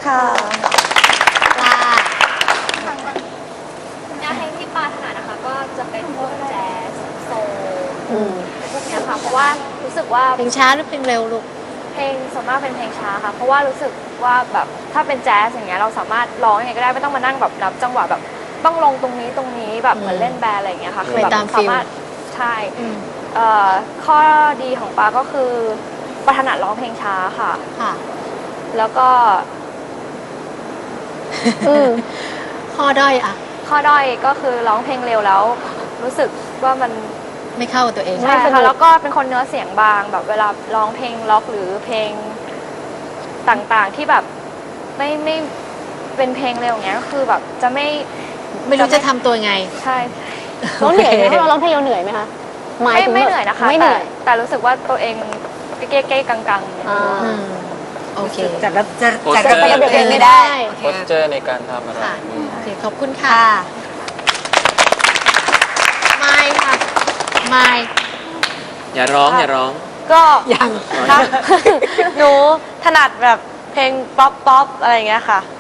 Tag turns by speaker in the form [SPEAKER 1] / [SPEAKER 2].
[SPEAKER 1] ค่ะ
[SPEAKER 2] ปลา
[SPEAKER 3] แนวเพลงที่ปาถนัดนะคะก็จะเป็นพวกแจ๊สโซลพวกเนี้ยค่ะเพราะว่ารู้สึกว่า
[SPEAKER 2] เพลงช้าหรือเพลงเร็วลูก
[SPEAKER 3] เพลงส่วนมากเป็นเพลงช้าค่ะเพราะว่ารู้สึกว่าแบบถ้าเป็นแจ๊สอย่างเงี้ยเราสามารถร้องยังไงก็ได้ไม่ต้องมานั่งแบบนับจังหวะแบบต้องลงตรงนี้แบบเหมือนเล่นแบนด์อะไรอย่างเงี้ยค่ะคือแบบสามารถใช่ข้อดีของปาก็คือปาถนัดร้องเพลงช้าค่ะ
[SPEAKER 2] ค่ะ
[SPEAKER 3] แล้วก็
[SPEAKER 2] ข้อด้อยอะ
[SPEAKER 3] ข้อด้อยก็คือร้องเพลงเร็วแล้วรู้สึกว่ามัน
[SPEAKER 2] ไม่เข้ากับตัวเอง
[SPEAKER 3] ใช่ค่ะแล้วก็เป็นคนเนื้อเสียงบางแบบเวลาร้องเพลงล็อกหรือเพลงต่างๆที่แบบไม่เป็นเพลงเร็วอย่างเงี้ยก็คือแบบจะไม่
[SPEAKER 2] รู้จะทำตัวไง
[SPEAKER 3] ใช่
[SPEAKER 4] เราเหนื่อยไหมเราร้องเพลงเราเหนื่อยไหมคะ
[SPEAKER 3] ไม่เหนื่อยนะคะ
[SPEAKER 4] ไม่เหนื่อย
[SPEAKER 3] แต่รู้สึกว่าตัวเองเก๊ๆกังๆ
[SPEAKER 2] อืมโอเค
[SPEAKER 1] จัดระเบียบ
[SPEAKER 4] เพลง
[SPEAKER 1] ไม่
[SPEAKER 4] ไม่
[SPEAKER 1] ได้
[SPEAKER 4] ได้
[SPEAKER 5] โพสเจอร์ในการทำอะไร
[SPEAKER 2] ค่ะโอเคขอบคุณค่ะ ไม่ค่ะ ไม่
[SPEAKER 5] อย่าร้องอย่าร้อง
[SPEAKER 6] ก็
[SPEAKER 2] ยัง
[SPEAKER 6] หนูถนัดแบบเพลงป๊อปอะไรอย่างเงี้ยค่ะ